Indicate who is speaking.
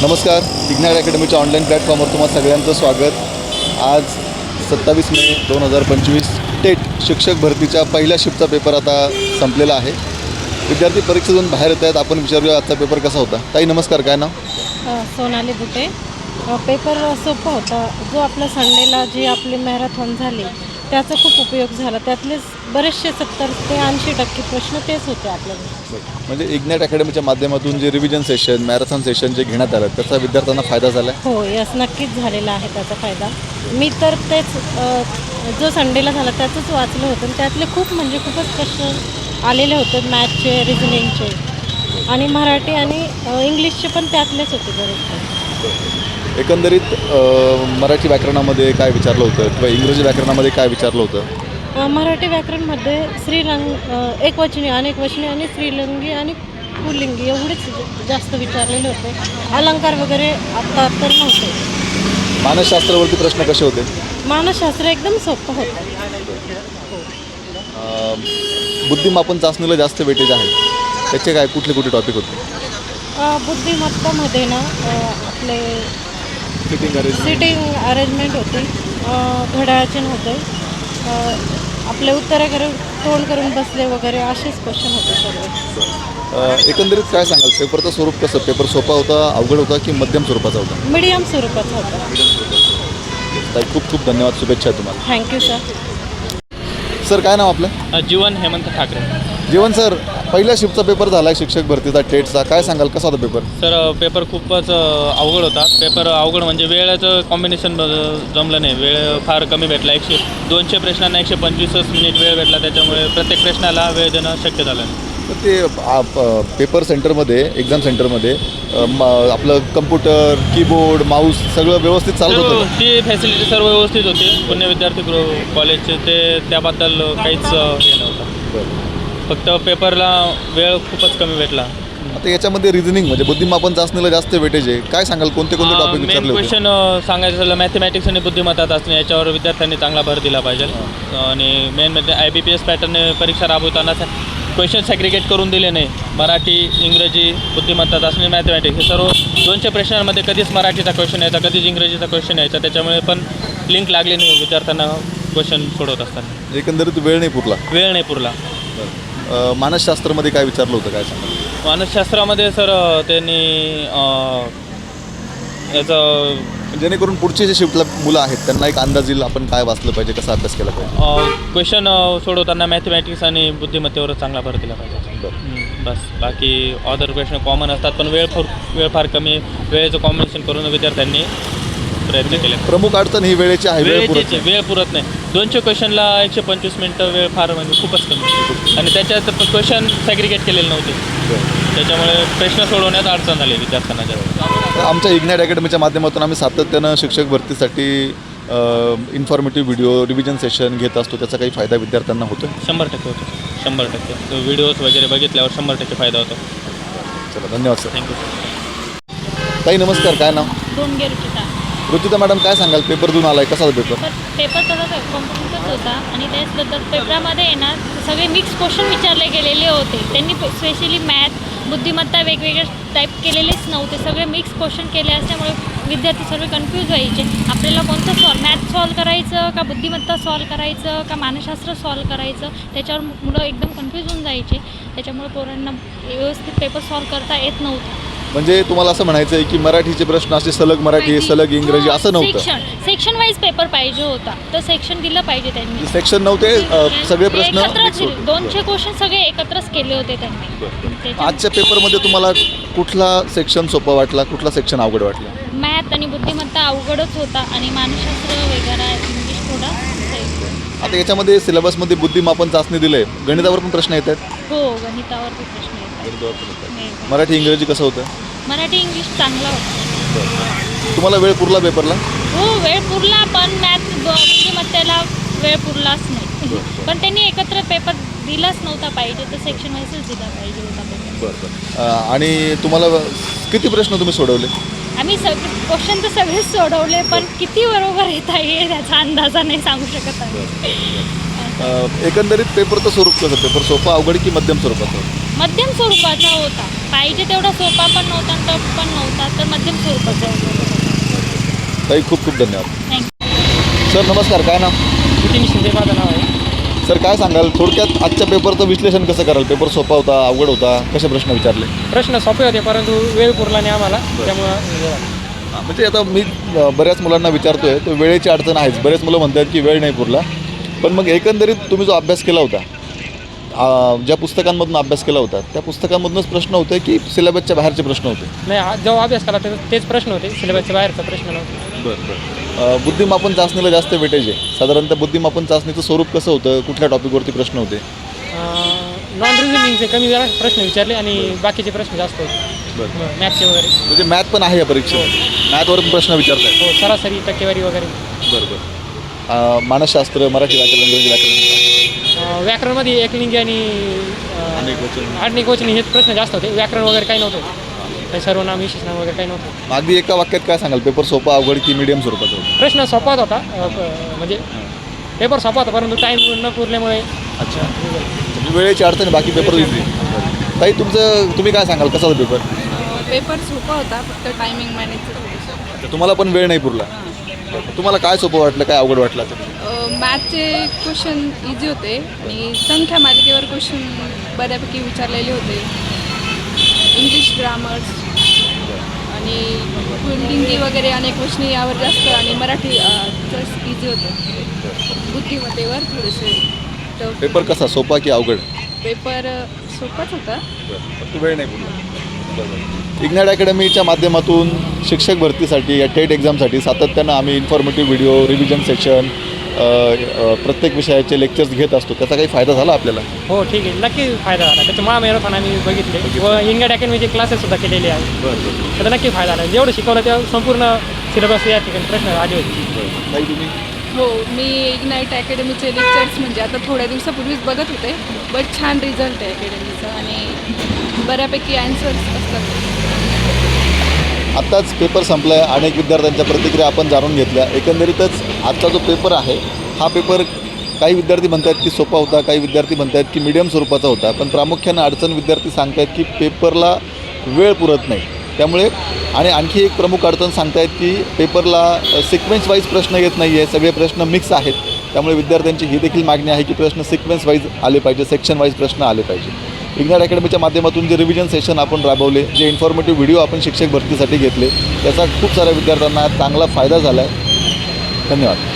Speaker 1: नमस्कार. Ignite अकॅडमीच्या online प्लॅटफॉर्मवर तुम्हाला सगळ्यांचं स्वागत. आज 27 मे 2025 टेट शिक्षक भरतीच्या पहिल्या शिफ्टचा पेपर आता संपलेला आहे. विद्यार्थी परीक्षेतून बाहेर येत आहेत. आपण विचारूया आजचा पेपर कसा होता. ताई नमस्कार, काय नाव?
Speaker 2: सोनाली बुटे. पेपर सोपा होता. जो आपला संडेला जी आपली मॅरेथॉन झाली त्याचा खूप उपयोग झाला. त्यातले बरेचसे 70 ते 80% प्रश्न तेच होते आपल्याला.
Speaker 1: म्हणजे इग्नाइट अकॅडमीच्या माध्यमातून जे रिव्हिजन सेशन, मॅरेथॉन सेशन जे घेण्यात आलं त्याचा विद्यार्थ्यांना फायदा झाला आहे?
Speaker 2: हो, यस, नक्कीच झालेला आहे त्याचा फायदा. मी तर तेच जो संडेला झाला त्याचंच वाचलं होतं आणि त्यातले खूपच प्रश्न आलेले होते. मॅथचे, रिझनिंगचे आणि मराठी आणि इंग्लिशचे पण त्यातलेच होते बरेच.
Speaker 1: एकंदरीत मराठी व्याकरणामध्ये काय विचारलं होतं किंवा इंग्रजी व्याकरणामध्ये काय विचारलं होतं?
Speaker 2: मराठी व्याकरणमध्ये एकवचनी, अनेकवचनी आणि स्त्रीलिंगी आणि पुल्लिंगी एवढेच जास्त विचारलेले होते. अलंकार वगैरे आता तर नव्हते.
Speaker 1: मानसशास्त्रावरती प्रश्न कसे होते?
Speaker 2: मानसशास्त्र एकदम सोपं होतं.
Speaker 1: बुद्धिमापन चाचणीला जास्त वेटेज आहे, त्याचे काय कुठले टॉपिक होते?
Speaker 2: बुद्धिमत्तामध्ये ना आपले सिटिंग अरेंजमेंट होती, घड्याळचिन्ह होते, आपले उत्तरे करून तोंड करून बसले वगैरे असेच क्वेश्चन होते सर्व.
Speaker 1: एकंदरीत काय सांगाल, पेपरचं स्वरूप कसं? पेपर सोपा होता, अवघड होता की मध्यम स्वरूपाचा होता?
Speaker 2: मीडियम स्वरूपाचा होता.
Speaker 1: ताई खूप धन्यवाद, शुभेच्छा तुम्हाला.
Speaker 2: Thank you sir.
Speaker 1: सर काय नाव आपलं?
Speaker 3: जीवन हेमंत ठाकरे.
Speaker 1: जीवन सर, पहिल्या शिफ्टचा पेपर झाला आहे शिक्षक भरतीचा टेटचा, काय सांगाल कसा होता पेपर?
Speaker 3: सर पेपर खूपच अवघड होता. पेपर अवघड म्हणजे वेळेचं कॉम्बिनेशन जमलं नाही. वेळ फार कमी भेटला. 200 प्रश्नांना 125 मिनिट वेळ भेटला. त्याच्यामुळे प्रत्येक प्रश्नाला वेळ देणं शक्य झालं नाही.
Speaker 1: तर ते पेपर सेंटरमध्ये, एक्झाम सेंटरमध्ये आपलं कम्प्युटर, कीबोर्ड, माऊस सगळं व्यवस्थित चालत होतं?
Speaker 3: ती फॅसिलिटी सर्व व्यवस्थित होती. पुणे विद्यार्थी कॉलेजचे ते त्याबद्दल काहीच हे नव्हतं. फक्त पेपरला वेळ खूपच कमी भेटला.
Speaker 1: आता याच्यामध्ये रिझनिंग म्हणजे बुद्धिमापन चाचणीला जास्त वेटेज आहे. काय सांगाल, कोणते टॉपिक
Speaker 3: मेन
Speaker 1: विचारले होते?
Speaker 3: क्वेश्चन सांगायचं झालं मॅथमॅटिक्स आणि बुद्धिमत्ता चाचणी याच्यावर विद्यार्थ्यांनी चांगला भर दिला पाहिजे. आणि मेन म्हणजे IBPS पॅटर्नने परीक्षा राबवताना क्वेश्चन सॅग्रिगेट करून दिले नाही. मराठी, इंग्रजी, बुद्धिमत्ता चाचणी, मॅथमॅटिक्स हे सर्व 200 प्रश्नांमध्ये कधीच मराठीचा क्वेश्चन यायचा, कधीच इंग्रजीचा क्वेश्चन यायचा. त्याच्यामुळे पण लिंक लागली नाही विद्यार्थ्यांना क्वेश्चन सोडवत असताना.
Speaker 1: एकंदरीत वेळ नाही पुरला. मानसशास्त्रामध्ये काय विचारलं होतं, काय सांगा?
Speaker 3: मानसशास्त्रामध्ये सर त्यांनी याचं
Speaker 1: जेणेकरून पुढचे जे शिफ्टला मुलं आहेत त्यांना एक अंदाज येईल आपण काय वाचलं पाहिजे, कसा अभ्यास केला पाहिजे.
Speaker 3: क्वेश्चन सोडवताना मॅथमॅटिक्स आणि बुद्धिमत्तेवर चांगला भर दिला पाहिजे. बस, बाकी अदर प्रश्न कॉमन असतात पण वेळ फार कमी. वेळेचं कॉम्बिनेशन करून विद्यार्थ्यांनी प्रयत्न केले.
Speaker 1: प्रमुख अडचण ही वेळेची आहे,
Speaker 3: वेळ पुरत नाही. 200 क्वेश्चनला 125 मिनटं वेळ फार म्हणजे खूपच कमी. आणि त्याच्यात क्वेश्चन सॅग्रिगेट केलेले नव्हते. त्याच्यामुळे प्रश्न सोडवण्यात अडचण झाली विद्यार्थ्यांना जास्त.
Speaker 1: आमच्या इग्नाइट अकॅडमीच्या माध्यमातून आम्ही सातत्यानं शिक्षक भरतीसाठी इन्फॉर्मेटिव्ह व्हिडिओ, रिव्हिजन सेशन घेत असतो. त्याचा काही फायदा विद्यार्थ्यांना होतो?
Speaker 3: 100% होतो. 100% व्हिडिओज वगैरे बघितल्यावर 100% फायदा होतो.
Speaker 1: चला, धन्यवाद सर.
Speaker 3: थँक्यू.
Speaker 1: ताई नमस्कार, काय नाव?
Speaker 2: दोनगे रुचिता.
Speaker 1: रुचिता मॅडम, काय सांगाल, पेपर देऊन आलाय, कसा होता पेपर?
Speaker 4: पेपर तसा कॉम्पिटिटिव्हच होता आणि त्याचबद्दल पेपरामध्ये आहे ना सगळे मिक्स क्वेश्चन विचारले गेलेले होते. त्यांनी स्पेशली मॅथ, बुद्धिमत्ता वेगवेगळे टाईप केलेलेच नव्हते. सगळे मिक्स क्वेश्चन केले असल्यामुळे विद्यार्थी सर्व कन्फ्यूज व्हायचे. आपल्याला कोणतं मॅथ सॉल्व करायचं का बुद्धिमत्ता सॉल्व करायचं का मानसशास्त्र सॉल्व करायचं, त्याच्यावर मुलं एकदम कन्फ्यूज होऊन जायचे. त्याच्यामुळे पोरांना व्यवस्थित पेपर सॉल्व करता येत नव्हतं.
Speaker 1: म्हणजे तुम्हाला असं म्हणायचं आहे की मराठीचे प्रश्न असे सलग मराठी, सलग इंग्रजी असं नव्हतं?
Speaker 4: सेक्शन वाईज पेपर पाहिजे होता. तर सेक्शन दिलं पाहिजे त्यांनी.
Speaker 1: सेक्शन नव्हते, सगळे प्रश्न
Speaker 4: एकत्रच 200 क्वेश्चन सगळे एकत्रच केले होते त्यांनी.
Speaker 1: आजच्या पेपरमध्ये तुम्हाला कुठला सेक्शन सोपा वाटला, कुठला सेक्शन अवघड वाटला?
Speaker 4: मॅथ आणि बुद्धिमत्ता अवघडच होता आणि मानसशास्त्र वगैरे इंग्लिश थोडा.
Speaker 1: आता याच्यामध्ये सिलेबसमध्ये बुद्धिमापन चाचणी दिले, गणितावर पण प्रश्न येत आहेत?
Speaker 4: हो, गणितावर पण प्रश्न येतात.
Speaker 1: मराठी, इंग्रजी कसं होतं?
Speaker 4: मराठी, इंग्लिश चांगला होता.
Speaker 1: तुम्हाला वेळ पुरला पेपरला?
Speaker 4: हो, वेळ पुरला, पण मॅथ बुद्धिमत्तेला वेळ पुरलाच नाही. पण त्यांनी एकत्र पेपर दिलाच नव्हता पाहिजे, तर सेक्शन वाईजच दिला पाहिजे होता पेपर.
Speaker 1: आणि तुम्हाला किती प्रश्न तुम्ही सोडवले?
Speaker 4: आम्ही क्वेश्चन तर सगळेच सोडवले, पण किती बरोबर येत आहे त्याचा अंदाजा नाही सांगू शकत आहे.
Speaker 1: एकंदरीत पेपरचं स्वरूप कसं, पेपर सोपा अवघड की मध्यम स्वरूपाचं?
Speaker 4: मध्यम स्वरूपाचा होता. पाहिजे तेवढा सोपा पण नव्हता आणि टफ पण नव्हता, तर मध्यम स्वरूपाचा होता.
Speaker 1: ताई खूप खूप धन्यवाद.
Speaker 4: थँक्यू.
Speaker 1: सर नमस्कार, काय नाव?
Speaker 5: नितीन शिंदे माझं नाव आहे.
Speaker 1: सर काय सांगाल थोडक्यात आजच्या पेपरचं विश्लेषण कसं कराल? पेपर सोपा होता, अवघड होता, कसे प्रश्न विचारले?
Speaker 5: प्रश्न सोपे होते परंतु वेळ पुरला नाही आम्हाला, त्यामुळं
Speaker 1: म्हणजे आता मी बऱ्याच मुलांना विचारतोय तर वेळेची अडचण आहेच. बरेच मुलं म्हणतात की वेळ नाही पुरला, पण मग एकंदरीत तुम्ही जो अभ्यास केला होता, ज्या पुस्तकांमधून अभ्यास केला होता त्या पुस्तकांमधूनच प्रश्न होते की सिलेबसच्या बाहेरचे प्रश्न होते?
Speaker 5: नाही, जेव्हा अभ्यास केला तेच प्रश्न होते, सिलेबसच्या बाहेरचा प्रश्न नव्हता.
Speaker 1: बरं. बुद्धिमापन चाचणीला जास्त वेटेज आहे. साधारणतः बुद्धिमापन चाचणीचं स्वरूप कसं होतं? कुठल्या टॉपिकवरती प्रश्न होते?
Speaker 5: नॉन रिझनिंगचे कमी वेळा प्रश्न विचारले आणि बाकीचे प्रश्न जास्त होते,
Speaker 1: बरं.
Speaker 5: मॅथचे वगैरे.
Speaker 1: म्हणजे मॅथ पण आहे या परीक्षेत? मॅथवर पण प्रश्न विचारताय?
Speaker 5: हो, सरासरी टक्केवारी वगैरे.
Speaker 1: बरं. मानसशास्त्र, मराठी व्याकरण, इंग्रजी व्याकरण,
Speaker 5: व्याकरणमध्ये एकलिंगी आणि आडनिक वचनी हे प्रश्न जास्त होते. व्याकरण वगैरे काही नव्हतं, काही सर्वनाम विशेषनाम वगैरे काही नव्हतं.
Speaker 1: अगदी एका वाक्यात काय सांगाल, पेपर सोपा अवघड की मीडियम स्वरूपाचा होता?
Speaker 5: प्रश्न सोपाच होता, म्हणजे पेपर सोपा होता परंतु टाईम न पुरल्यामुळे.
Speaker 1: अच्छा, म्हणजे वेळेची अडचण, बाकी पेपर इझी. ताई तुम्ही काय सांगाल, कसा होता पेपर?
Speaker 6: पेपर सोपा होता, फक्त टायमिंग मॅनेज.
Speaker 1: तुम्हाला पण वेळ नाही पुरला. तुम्हाला काय सोपं वाटलं, काय अवघड वाटलं?
Speaker 6: मॅथचे क्वेश्चन इझी होते आणि संख्या मालिकेवर क्वेश्चन बऱ्यापैकी विचारलेले होते. इंग्लिश ग्रामर्स आणि पुल्लिंगी वगैरे अनेक वचनी यावर जास्त, आणि मराठी इझी होतं. बुद्धिमत्तेवर थोडेसे
Speaker 1: पेपर कसा, सोपा की अवघड?
Speaker 6: पेपर सोपाच होता.
Speaker 1: वेळ नाही पुरला. इग्नाइट अकॅडमीच्या माध्यमातून शिक्षक भरतीसाठी या टेट एक्झामसाठी सातत्यानं आम्ही इन्फॉर्मेटिव्ह व्हिडिओ, रिव्हिजन सेशन, प्रत्येक विषयाचे लेक्चर्स घेत असतो. त्याचा काही फायदा झाला आपल्याला?
Speaker 5: हो, ठीक आहे, नक्की फायदा झाला. त्याचं महामॅरेथॉन आम्ही बघितले व इंग्लिश अकॅडमीचे क्लासेससुद्धा केलेले आहेत.
Speaker 1: बरं.
Speaker 5: त्याचा नक्की फायदा झाला. जेवढं शिकवलं त्या संपूर्ण सिलेबस या ठिकाणी प्रश्न आले होते.
Speaker 1: ताई तुम्ही?
Speaker 6: हो, मी इग्नाईट अकॅडमीचे लेक्चर्स म्हणजे आता थोड्या दिवसापूर्वीच बघत होते, बट छान रिझल्ट आहे अकॅडमीचा आणि बऱ्यापैकी ॲन्सर्स असतात.
Speaker 1: आत्ताच पेपर संपला आहे. अनेक विद्यार्थ्यांच्या प्रतिक्रिया आपण जाणून घेतल्या. एकंदरीतच आजचा जो पेपर आहे हा पेपर काही विद्यार्थी म्हणतात की सोपा होता, काही विद्यार्थी म्हणतात की मीडियम स्वरूपाचा होता, पण प्रामुख्यानं अडचण विद्यार्थी सांगतायत की पेपरला वेळ पुरत नाही. त्यामुळे आणि आणखी एक प्रमुख अडचण सांगतायत की पेपरला सिक्वेन्स वाईज प्रश्न येत नाही आहे, सगळे प्रश्न मिक्स आहेत. त्यामुळे विद्यार्थ्यांची ही देखील मागणी आहे की प्रश्न सिक्वेन्स वाईज आले पाहिजे, सेक्शन वाईज प्रश्न आले पाहिजे. इग्नाइट अकॅडमीच्या माध्यमातून जे रिव्हिजन सेशन आपण राबवले, जे इन्फॉर्मेटिव्ह व्हिडिओ आपण शिक्षक भरतीसाठी घेतले, त्याचा खूप साऱ्या विद्यार्थ्यांना चांगला फायदा झाला आहे. धन्यवाद.